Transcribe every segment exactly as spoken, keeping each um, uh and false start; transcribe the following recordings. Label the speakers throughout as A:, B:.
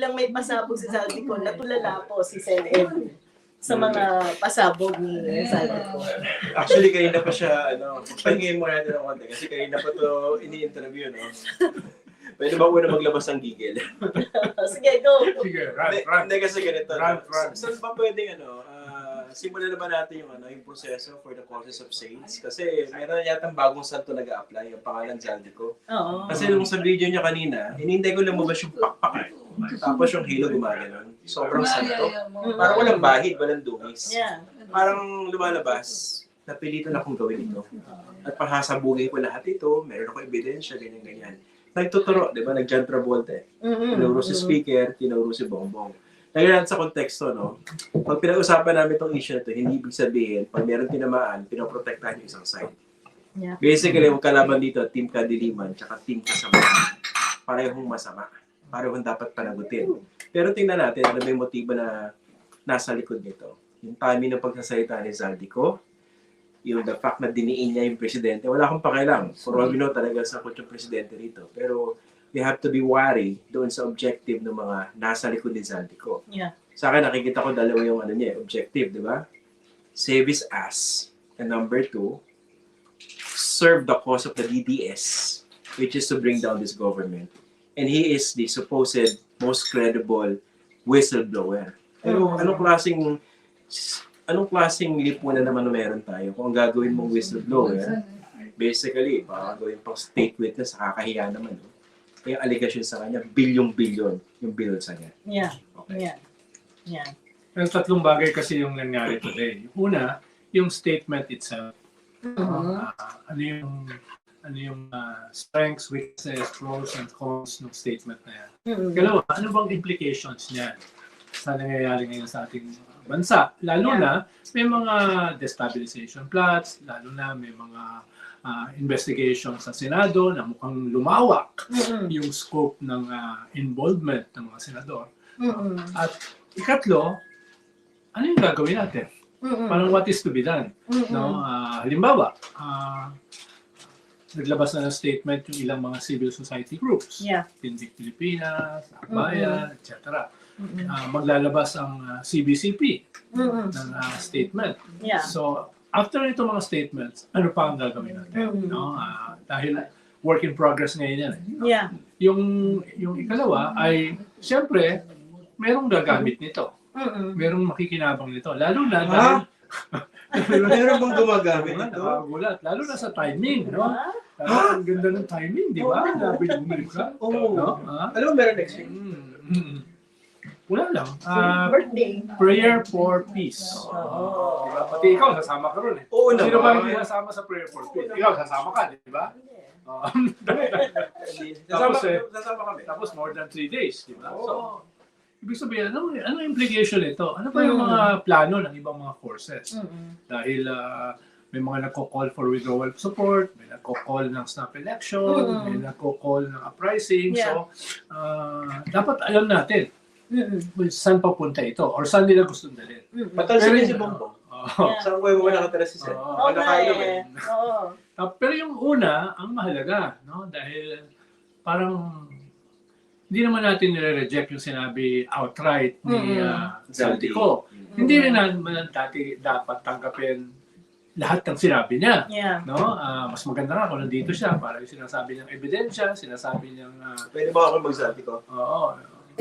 A: biglang may pasabog si Zaldico, natulala po si Sen Edwin sa mga pasabog ni Zaldico.
B: Actually, kanina pa siya, ano, pahingin mo natin ng konti kasi kanina pa to ini-interview, no? Pwede ba una maglabas ng gigil?
A: Sige, go!
C: Sige, run,
B: Hindi,
C: run.
B: hindi kasi ganito.
C: Run,
B: no?
C: run.
B: Saan ba pwedeng, ano, ah, simulan na ba natin yung, ano, yung proseso for the causes of saints? Kasi meron na yatang bagong santo nag-a-apply, yung pangalan Zaldico.
A: Oo.
B: Kasi nung sa video niya kanina, hinihintay ko lumabas yung pakpak. Tapos yung halo gumaganon. Sobrang santo. Parang walang bahid, walang dungis.
A: Yeah.
B: Parang lumalabas, napilitan akong gawin ito. At pahasabugin ko lahat ito, meron ako ebidensya, ganyan-ganyan. Nagtuturo, di ba? Nag-John Travolta eh. Tinuro si speaker, tinuro si Bongbong. Nagyan sa konteksto, no? Pag pinag-usapan namin itong issue na ito, hindi ibig sabihin, pag meron tinamaan, pinoprotektahan yung isang side.
A: Yeah.
B: Basically, yung kalaban dito, Team Kadiliman, tsaka Team Kasamahan. Parehong masama. Parehong dapat panagutin. Pero tingnan natin, ano ba yung motibo na nasa likod nito? Yung timing ng pagsasalita ni Zaldico, yung the fact na diniin niya yung presidente, wala akong pakialam. For all we know, talaga sakot yung presidente rito. Pero we have to be wary doon sa objective ng mga nasa likod ni Zaldico.
A: Yeah.
B: Sa akin, nakikita ko dalawa yung ano niya, objective, di ba? Save his ass. And number two, serve the cause of the D D S, which is to bring down this government. And he is the supposed most credible whistleblower. Pero anong klaseng anong klaseng lipunan naman na meron tayo kung ang gagawin mong whistleblower, basically, baka gawin pang state witness, kakahiya naman. No? Yung allegation sa kanya, bilyong-bilyon yung bill sa kanya.
A: Yeah.
B: Okay.
A: Yeah. Yeah.
C: Yung tatlong bagay kasi yung nangyari today. Yung una, yung statement itself.
A: Mhm.
C: Ah, ano yung ano yung ah, strengths, weaknesses, pros and cons ng statement na yan.
A: Mhm.
C: Kalawa, ano bang implications niyan sa nangyayari ngayon sa ating bansa? Lalo
A: Yeah.
C: na may mga destabilization plots, lalo na may mga ah, investigation sa Senado na mukhang lumawak
A: Mhm.
C: yung scope ng ah, involvement ng mga senador.
A: Mhm.
C: At ikatlo, ano yung gagawin natin?
A: Mhm.
C: Parang what is to be done?
A: Mhm.
C: No? Ah, halimbawa, ah, naglabas na ng statement yung ilang mga civil society groups.
A: Yeah.
C: Tindig Pilipinas, Akbayan, et cetera.
A: Mhm.
C: Ah, maglalabas ang ah, C B C P
A: Mhm.
C: ng ah, statement.
A: Yeah.
C: So, after ito mga statements, ano pa ang gagawin natin?
A: Mhm.
C: No? Ah, dahil work in progress ngayon yan. Eh.
A: Yeah.
C: Yung, yung ikalawa ay, siyempre, merong gagamit nito.
A: Mhm.
C: Merong makikinabang nito. Lalo na
B: Ha?
C: dahil...
B: Meron bang gumagamit ito?
C: Nakakagulat. Lalo na sa timing, no?
A: Diba?
C: Lalo ang ganda ng timing, di ba?
A: Oo.
C: Sabi ng Milka.
B: Oo.
C: No? Ha?
B: Alam mo, meron next week?
C: Mm, mm. Wala lang. Ah,
A: Birthday.
C: prayer for peace.
A: Oo.
C: Diba? Pati ikaw, sasama ka ron eh.
B: Oo
C: Sino ba hindi
B: naman.
C: nasama sa prayer for peace? Ikaw, sasama ka, di ba? Oo.
B: Sasama,
C: Tapos eh,
B: sasama kami.
C: Tapos more than three days, di ba?
B: Oo.
C: So, ibig sabihin, ano, ano implication nito? Ano pa yung mga plano ng ibang mga forces?
A: Mhm.
C: Dahil ah, may mga nagko-call for withdrawal of support, may nagko-call ng snap election,
A: Mm.
C: may nagko-call ng uprising.
A: Yeah.
C: So, ah, dapat alam natin
A: Mhm.
C: kung saan papunta ito or saan nila gusto dalhin.
A: Mhm.
B: Patalsin
C: Pero-
B: si Bongbong.
C: Oo.
A: Yeah.
B: Saan ko yung mga nakatira si Sen?
C: Oo.
A: Oo
B: Ano
A: nga
B: kayo
A: eh. Oo.
C: Ah, pero yung una, ang mahalaga, no? Dahil parang hindi naman natin nire-reject yung sinabi outright ni
A: Mm.
C: ah, Zaldico. Hindi rin naman dati dapat tanggapin lahat ng sinabi niya.
A: Yeah.
C: No? Ah, mas maganda nga kung nandito siya para yung sinasabi niyang ebidensya, sinasabi niyang ah,
B: Pwede ba ako magsabi ko?
C: oo.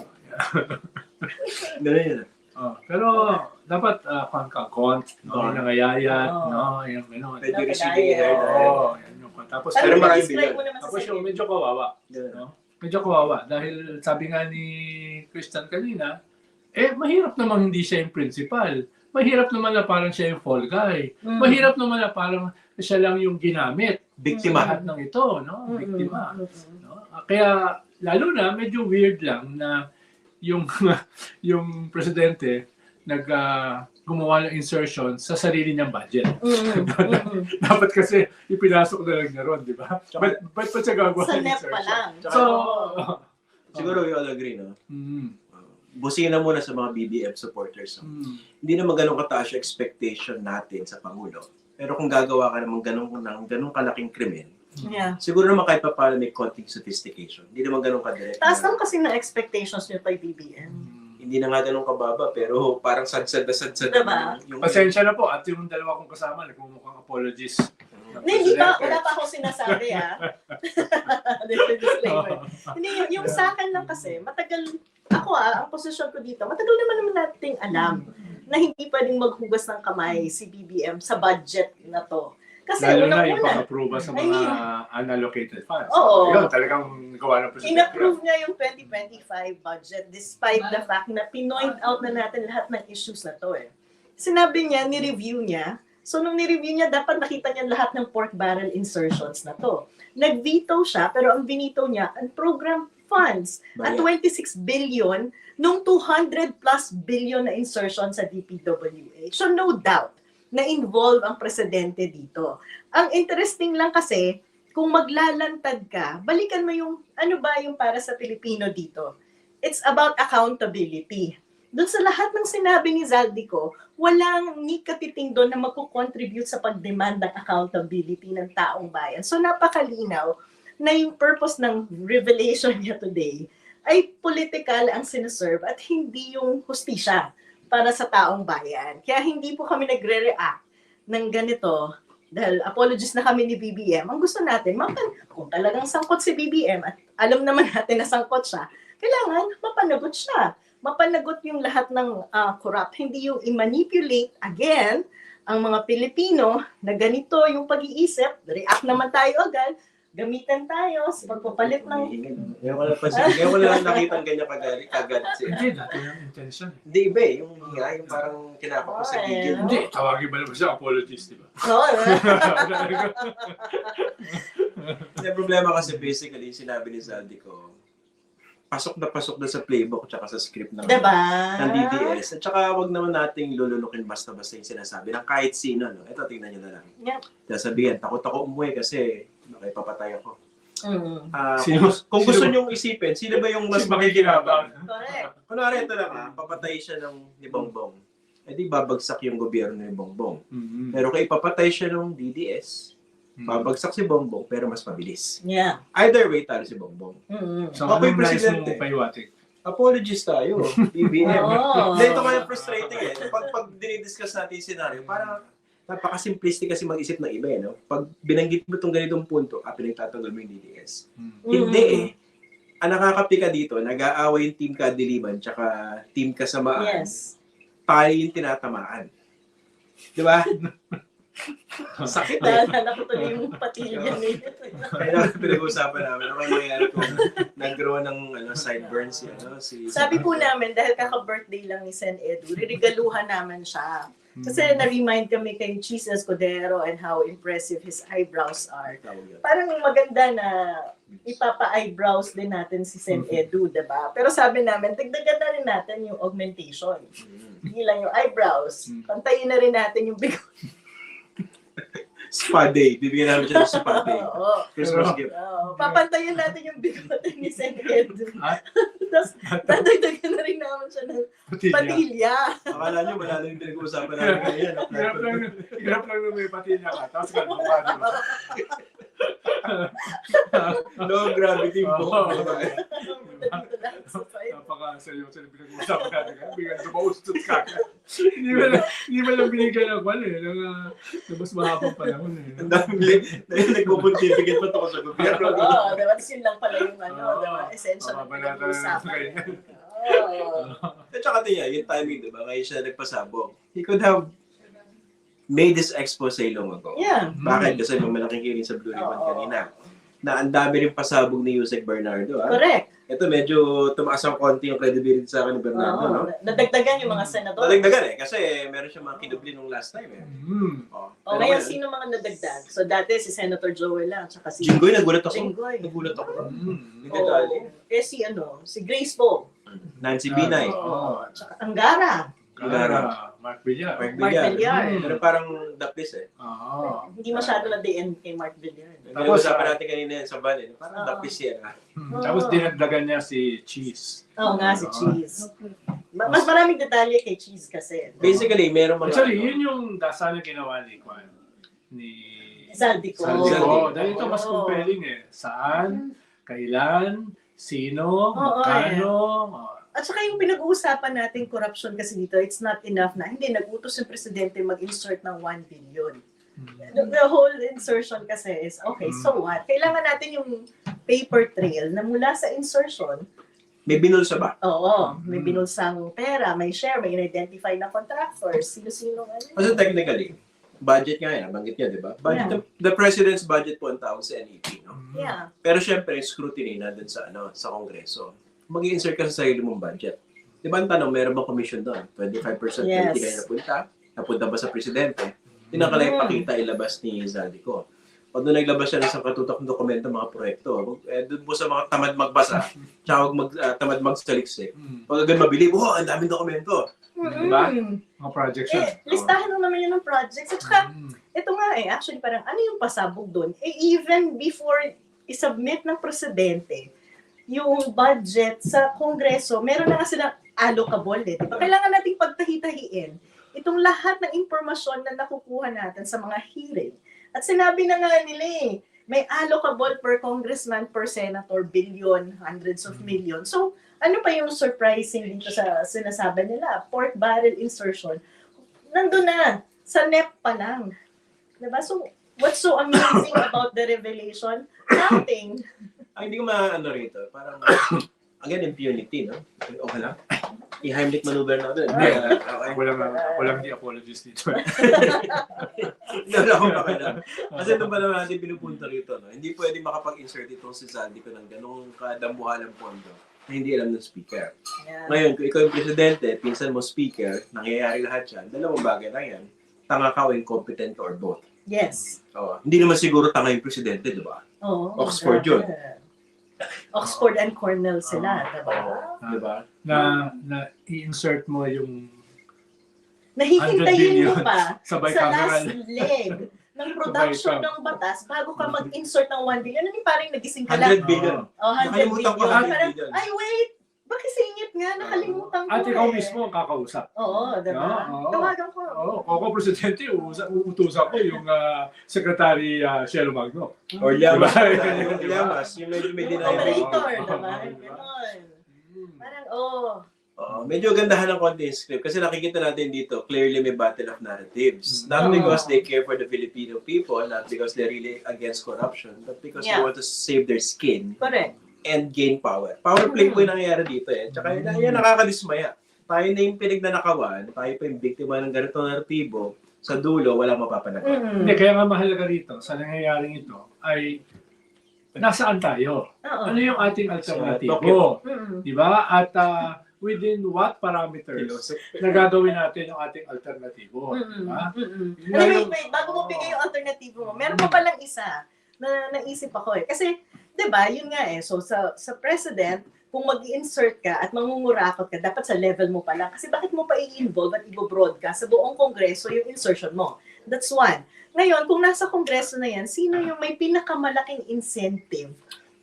B: Ganun yun.
C: Oh, pero dapat uh, kont, no,
B: Oo.
C: nangayayat,
A: Oo.
C: no, yung gano'n.
B: Pwede receiving heard.
C: Oo, yan yung tapos
A: Ano
B: Pero
A: ba
B: maraming
A: describe
B: bilyon.
A: mo naman sa
C: tapos yung
A: sarili?
C: medyo kawawa.
B: Ganun.
C: No? Medyo kawawa dahil sabi nga ni Christian kanina, eh mahirap naman hindi siya yung principal. Mahirap naman na parang siya yung fall guy.
A: Mm.
C: Mahirap naman na parang siya lang yung ginamit.
B: Biktima.
C: Lahat ng ito, no?
A: Mhm.
C: Biktima.
A: Mhm.
C: No? Kaya lalo na medyo weird lang na yung yung presidente nag ah, gumawa ng insertion sa sarili niyang budget.
A: Mhm. Mhm.
C: Dapat kasi ipinasok na lang niya ron, di ba? Ba't ba't pa siya gagawa
A: Sa
C: ng
A: N E P pa
C: insertion?
A: lang.
C: So,
B: Siguro we all agree, no?
C: mm,
B: Busina muna sa mga B B M supporters. No?
C: mm,
B: Hindi naman ganun kataas yung expectation natin sa Pangulo. Pero kung gagawa ka naman ganun, ng ganun kalaking krimen,
A: Yeah.
B: Siguro naman kahit pa paano may konting sophistication. Hindi naman ganun kadirect.
A: Taas
B: na-
A: lang kasi na expectations nyo kay B B M.
B: Hindi na nga ganun kababa, pero parang sad-sad na sad-sad.
A: Diba?
B: Yung,
C: Pasensya na po at yung dalawa kong kasama nagmumukhang apologies.
A: Hindi, hindi pa, wala pa akong sinasabi ah. Disclaimer. Hindi, yung, yung sa akin lang kasi, matagal, ako ah, ang posisyon ko dito, matagal naman naman nating alam na hindi pwedeng maghugas ng kamay si B B M sa budget na to. Kasi
C: Lalo na yung
A: unang-una,
C: pang-approve sa
A: I
C: mga
A: mean,
C: unallocated funds.
A: Oo.
C: Yun, talagang gawa ng presidente.
A: in-approve niya yung twenty twenty-five budget despite the fact na pinoint out na natin lahat ng issues na to eh. Sinabi niya, ni-review niya. So nung ni-review niya, dapat nakita niya lahat ng pork barrel insertions na to. Nag-veto siya, pero ang binito niya, ang program funds at
B: Bayan.
A: twenty-six billion nung two hundred plus billion na insertion sa D P W H. So no doubt na involve ang presidente dito. Ang interesting lang kasi, kung maglalantad ka, balikan mo yung, ano ba yung para sa Pilipino dito? It's about accountability. Doon sa lahat ng sinabi ni Zaldico, walang ni katiting doon na magkukontribute sa pag-demand ng accountability ng taong bayan. So napakalinaw na yung purpose ng revelation niya today ay political ang sineserve at hindi yung hustisya para sa taong bayan. Kaya hindi po kami nagre-react ng ganito dahil apologies na kami ni B B M. Ang gusto natin, mapan kung talagang sangkot si B B M at alam naman natin na sangkot siya, kailangan mapanagot siya. Mapanagot yung lahat ng uh, corrupt. Hindi yung i-manipulate again ang mga Pilipino na ganito yung pag-iisip. React naman tayo agad. Gamitan tayo sa pagpapalit ng...
B: Ngayon ko lang pa siya. Ngayon ko lang nakita ang ganyan kagalit. Kagad siya.
C: Hindi, dati yung intention.
B: Hindi iba eh. Yung nga, yung parang kinapa ko sa
A: Oh,
B: gigil.
A: eh.
C: Hindi, tawagin ba naman siya apologies, di ba?
A: Oo,
B: Hindi, problema kasi basically, sinabi ni Zaldico, pasok na pasok na sa playbook tsaka sa script ng,
A: diba?
B: ng D D S. At saka wag naman nating lulunukin basta-basta yung sinasabi ng kahit sino. No? Ito, tingnan nyo na lang.
A: Yep.
B: Sasabihin, takot ako umuwi kasi baka ipapatay ako.
A: Mm.
B: Ah,
C: Sino-
B: kung, kung
C: sino
B: gusto
C: ba-
B: nyong isipin, sino ba yung mas
C: Mas makikinabang.
B: makikinabang?
A: Correct.
B: Kunwari ito lang ha, papatay siya ng ni Bongbong. Eh di babagsak yung gobyerno ni Bongbong.
C: Mm-hmm.
B: Pero kung ipapatay siya ng D D S, babagsak si Bongbong pero mas mabilis.
A: Yeah.
B: Either way, talo si Bongbong.
A: Mm.
C: So,
B: Ako'y
C: anong nais
B: presidente.
C: mong paiwatig?
B: Apologies tayo, B B M.
A: Oo.
B: Hindi, ito kaya frustrating eh. Pag, pag dinidiscuss natin yung scenario, parang napaka-simplistic kasi mag-isip ng iba eh. No? Pag binanggit mo itong ganitong punto, ah, pinagtatanggol mo yung D D S.
C: Mm.
B: Hindi eh. Ang nakakapika dito, nag-aaway yung team kadiliman tsaka team kasamaan.
A: Yes.
B: Tayo yung tinatamaan. Di ba? Sakit eh.
A: Naalala ko tuloy yung patilya ni
B: Kaya pinag-uusapan namin. Ano kaya nangyayari kung nag-grow ng ano, sideburns si, ano, si...
A: Sabi po namin, dahil kaka-birthday lang ni Sen Edu, riregaluhan namin siya. Kasi na-remind kami kay Cheese Escudero and how impressive his eyebrows are.
B: Tawag yun.
A: Parang maganda na ipapa-eyebrows din natin si Sen Edu, diba? Pero sabi namin, dagdagan na rin natin yung augmentation.
B: Mm.
A: Hindi lang yung eyebrows. Pantayin na rin natin yung bigot.
B: Spa day. Bibigyan namin siya ng spa day.
A: Oo.
B: Christmas gift.
A: Oo. Papantayin natin yung bigot ni Sen Edu.
C: Ah?
A: Tapos, dadagdagan na rin namin siya ng
C: Patilya.
A: patilya.
B: Akala nyo, wala lang yung pinag-uusapan namin ngayon.
C: Hirap lang, hirap lang na may patilya ka. Tapos kalma ka, di ba?
B: Low gravity
C: Oo.
B: boat.
A: Dito lang sa side.
C: Napaka-seryoso na pinag-uusapan natin. Kaya bigyan dumaustot ka. Hindi mo lang, hindi mo lang binigyan ng kwan eh. Ng, uh, ng mas mahabang panahon eh.
B: Ang dami, dahil nagpo-pontificate pa ito sa gobyerno.
A: Oo, diba? Tapos yun lang pala yung ano,
C: Oo.
A: diba? Essential na
C: Mababalatan na
A: pinag-uusapan.
C: sa kanya.
A: Oo.
B: At saka tiya, yung timing, di ba? Ngayon siya nagpasabog. He could have made this expose long ago.
A: Yeah.
B: Bakit? Kasi may malaking hearing sa Blue Ribbon
A: Oo.
B: kanina. Na ang dami rin pasabog ni Yusek Bernardo. Ah.
A: Correct.
B: Ito medyo tumaas ang konti yung credibility sa akin ni Bernardo.
A: Oo.
B: No?
A: Nadagdagan yung mga senador.
B: Nadagdagan eh. Kasi meron siya mga kinubli nung last time eh.
C: Mm.
B: Oh.
A: O ngayon, sino mga nadagdag? So dati si Senator Joel lang, tsaka si
B: Jinggoy, nagulat ako.
A: Jinggoy.
B: Nagulat ako.
C: Mm.
B: Hindi detalye.
A: Oo. Eh si ano, si Grace Poe.
B: Nancy Binay.
A: Oo. Tsaka Angara.
C: Gara, Mark Villar.
B: Mark
A: Mark
B: Villar.
A: Villar.
C: Mm.
B: Pero parang dapis eh.
C: Oo.
A: Hindi masyado na D N kay Mark Villar.
C: Tapos,
B: Tapos, usapan
C: ah,
B: natin kanina yan sa ban eh. Parang
A: Oo.
B: dapis yan ah.
C: Hmm. Tapos dinagdagan niya si Cheese.
A: Oo nga, si
C: Oo.
A: Cheese. Ma- Mas maraming detalye kay Cheese kasi.
B: Basically, meron mga...
C: Actually,
B: ano,
C: yun yung dasal na ginawa ni Kwan. Ni
A: Zaldico.
B: Zaldico.
C: Oo, dahil ito mas
A: Oo.
C: compelling eh. Saan, kailan, sino,
A: Oo,
C: magkano.
A: At saka yung pinag-uusapan natin, corruption kasi dito, it's not enough na hindi nag-utos yung presidente mag-insert ng one billion. The, the whole insertion kasi is, okay, so what? Kailangan natin yung paper trail na mula sa insertion,
B: May binulsa ba?
A: oo, may
C: Mm.
A: binulsang pera, may share, may identify na contractors, sino-sino ano.
B: Kasi technically, budget nga yan, nabanggit niya, di ba? Budget,
A: Yeah.
B: the, the president's budget po ang tawag sa N E P, no?
A: Yeah.
B: Pero syempre, scrutiny na dun sa, ano, sa Kongreso. Mag-i-insert ka sa sarili mong budget. Di ba ang tanong, meron ba commission doon? twenty-five percent
A: Yes.
B: hindi kayo napunta? Napunta ba sa presidente? Tinakalay
A: Mm.
B: pakita ilabas ni Zaldico. Pag doon naglabas siya ng isang katutak ng dokumento, mga proyekto, eh, doon po sa mga tamad magbasa, tsaka wag mag, ah, tamad magsaliksik.
C: Mm.
B: Pag agad mabilib, oh, ang daming dokumento.
C: Diba?
A: Mm.
C: Mga projects yan.
A: Eh, listahan mo naman yun ng projects. At saka,
C: Mm.
A: ito nga eh, actually parang ano yung pasabog doon? Eh, even before isubmit ng presidente yung budget sa Kongreso, meron na nga silang allocable eh. Diba? Kailangan nating pagtahi-tahiin itong lahat ng impormasyon na nakukuha natin sa mga hearing. At sinabi na nga nila eh, may allocable per congressman, per senator, billion, hundreds of millions. So, ano pa yung surprising dito sa sinasabi nila? Pork barrel insertion. Nandun na, sa N E P pa lang. Diba? So, what's so amazing about the revelation? Nothing.
B: Ay, hindi ko maano rito. Parang, again, impunity, no? Okay lang. I-Heimlich maneuver na doon.
C: Hindi.
B: Okay.
C: Ako lang, ako lang di apologies dito.
B: Hindi wala akong pakialam. Kasi ito ba naman natin pinupunta rito, no? Hindi pwede makapag-insert itong si Zaldico ng ganong kadambuhalang pondo na hindi alam ng speaker.
A: Yeah.
B: Ngayon, kung ikaw yung presidente, pinsan mo speaker, nangyayari lahat yan, dalawang bagay lang yan. Tanga ka o incompetent ka or both.
A: Yes.
B: Oh, hindi naman siguro tanga yung presidente, di ba?
A: Oh,
B: Oxford yun.
A: Oxford and Cornell sila, diba?
B: Di ba?
C: Na, na i-insert mo yung
A: Nahihintayin mo
C: billion
A: pa
C: sa
A: sa
C: bicameral.
A: last leg ng production
C: Sabay
A: ng batas bago ka mag-insert ng one billion. Ano yung parang nagising ka lang?
B: one hundred billion.
A: Oh, one hundred
B: Nakalimutan ko,
A: billion.
B: one hundred
A: Parang,
B: billion.
A: ay wait, bakisingit nga, nakalimutan ko
C: At ikaw
A: eh.
C: mismo ang kakausap.
A: Oo, diba?
C: Oo.
A: Tawagan ko.
C: Oo, kung ako presidente, uusa- uutusan ko yung ah, Secretary uh, Shelo Magno.
B: Or Llamas.
C: Diba?
B: Yung Llamas, yung medyo may denial.
A: Operator,
C: Oo.
A: diba?
C: Oo.
A: Ganon. Parang, oh.
B: Oo, medyo gandahan ng konti yung script kasi nakikita natin dito, clearly may battle of narratives. Not
A: Oo.
B: because they care for the Filipino people, not because they're really against corruption, but because they
A: Yeah.
B: want to save their skin
A: Correct.
B: and gain power. Power play po yung nangyayari dito eh. Tsaka yan, yan nakakadismaya. Tayo na yung pinagnanakawan, tayo pa yung biktima ng ganitong naratibo, sa dulo, walang mapapanagot.
A: Mm.
C: Hindi, kaya nga mahalaga rito, sa nangyayaring ito, ay nasaan tayo?
A: Oo.
C: Ano yung ating alternatibo?
A: Mm.
C: Di ba? At ah, within what parameters
B: Philosophy.
C: na gagawin natin yung ating alternatibo? Di
A: Mm-mm.
C: ba?
A: Mm-mm.
C: Yun
A: Ano,
C: yung-
A: wait, wait, bago mo bigay yung alternatibo mo, meron pa palang isa na naisip ako eh. Kasi, di ba, yun nga eh, so sa, sa president, kung mag-insert ka at mangungurakot ka, dapat sa level mo pa lang. Kasi bakit mo pa i-involve at i-broadcast sa buong kongreso yung insertion mo? That's one. Ngayon, kung nasa kongreso na yan, sino yung may pinakamalaking incentive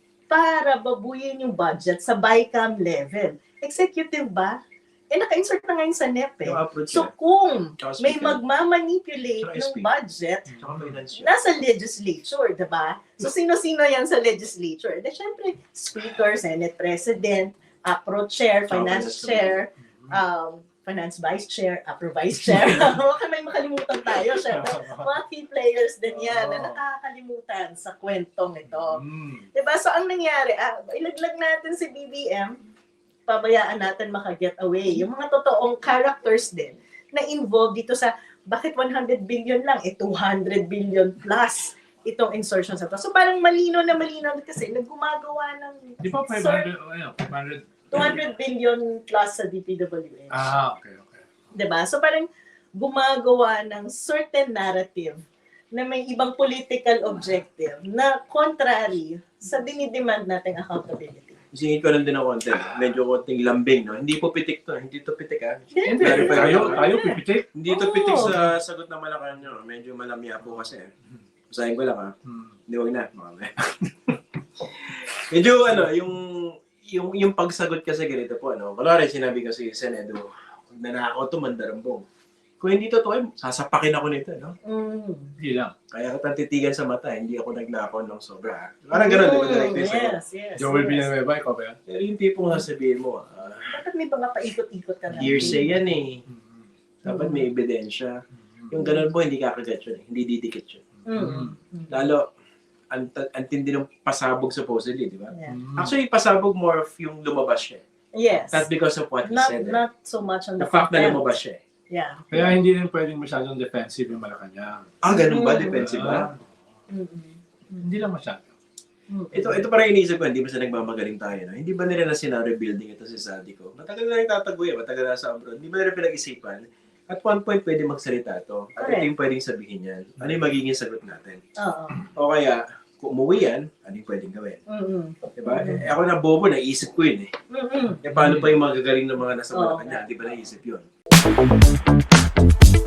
A: para babuyin yung budget sa BICAM level? Executive ba? Eh, naka-insert na ngayon sa N E P eh.
B: Yung approach
A: So
B: niya.
A: kung
B: Tsaka
A: may
B: speaker.
A: magmamanipulate
B: Tsaka
A: ng
B: speaker.
A: budget,
B: Tsaka finance niya.
A: nasa legislature, di ba? So, sino-sino yan sa legislature? De, syempre, speaker, senate president, apro chair,
B: Tsaka
A: finance
B: finance
A: chair, um, finance vice chair, apro vice chair. Baka may makalimutan tayo. Syempre, mga key players din yan na nakakalimutan sa kwentong ito.
C: Mm.
A: Di ba? So, ang nangyari, ah, ilaglag natin si B B M, pabayaan natin maka-get away. Yung mga totoong characters din na involved dito sa bakit one hundred billion lang, eh two hundred billion plus itong insertion sa to. So parang malino na malino kasi naggumagawa ng
C: Di ba five hundred, oh, ano, five hundred?
A: two hundred billion plus sa D P W H.
C: Ah, okay, okay.
A: Diba? So parang gumagawa ng certain narrative na may ibang political objective na contrary sa dinidemand nating accountability.
B: Isingit ko lang din ng konti. Medyo konting lambing, no? Hindi po pitik to. Hindi to pitik, ah.
C: Hindi,
B: Verify
C: tayo,
B: ko.
C: tayo pipitik.
B: Hindi to
A: Oo.
B: pitik sa sagot na Malacanang nyo. Medyo malamya po kasi. Basahin ko lang, ha?
C: Hmm.
B: Hindi, huwag na. Mamaya. Medyo, ano, yung, yung, yung pagsagot kasi ganito po, ano? Kunwari, sinabi ko si Senedo, nanakaw to mandarambong. Kung hindi totoo, eh, sasapakin ako nito, no?
A: Mm.
C: Hindi lang.
B: Kaya ka titigan sa mata, hindi ako nagnakaw ng sobra. Parang ganun, di ba? Direct
A: Mm,
B: face ako.
A: yes, yes.
C: Joel
A: yes.
C: Villanueva, ikaw ba yan?
B: Pero yung tipong sasabihin mo, ah,
A: Bakit may mga paikot-ikot ka na?
B: hearsay yan eh.
C: Mm.
B: Dapat may ebidensya. Yung ganun po, hindi kakagat yun eh. Hindi didikit yun.
A: Mm. Mm.
B: Lalo, ang, ang tindi ng pasabog supposedly, di ba?
A: Yeah.
C: Mm.
B: Actually, pasabog more of yung lumabas siya.
A: Yes.
B: Not because of what he
A: Not,
B: said. eh.
A: not so much on
B: The
A: the,
B: fact na
A: content.
B: lumabas siya. eh.
A: Yeah.
C: Kaya hindi rin pwedeng masyadong defensive yung Malacanang.
B: Ah, ganun ba?
A: Mm.
B: Defensive ba?
A: Mm-mm.
C: Hindi lang masyado.
A: Mm-mm.
B: Ito, ito parang iniisip ko, hindi ba sa nagmamagaling tayo, no? Hindi ba nila na scenario-building ito si Zadico? Matagal na rin tatago yan, matagal na sa abroad. Hindi ba nila pinag-isipan? At one point, pwede magsalita to. At ito
A: Correct.
B: yung pwedeng sabihin yan. Ano yung magiging sagot natin?
A: Oo.
B: O kaya, kung umuwi yan, ano yung pwedeng gawin?
A: Mm-mm.
B: Diba? Eh, ako na bobo, naisip ko yun eh.
A: Mm-mm.
B: Eh, paano pa yung magagaling ng mga nasa
A: Oo.
B: Malacanang? Di ba naisip yun?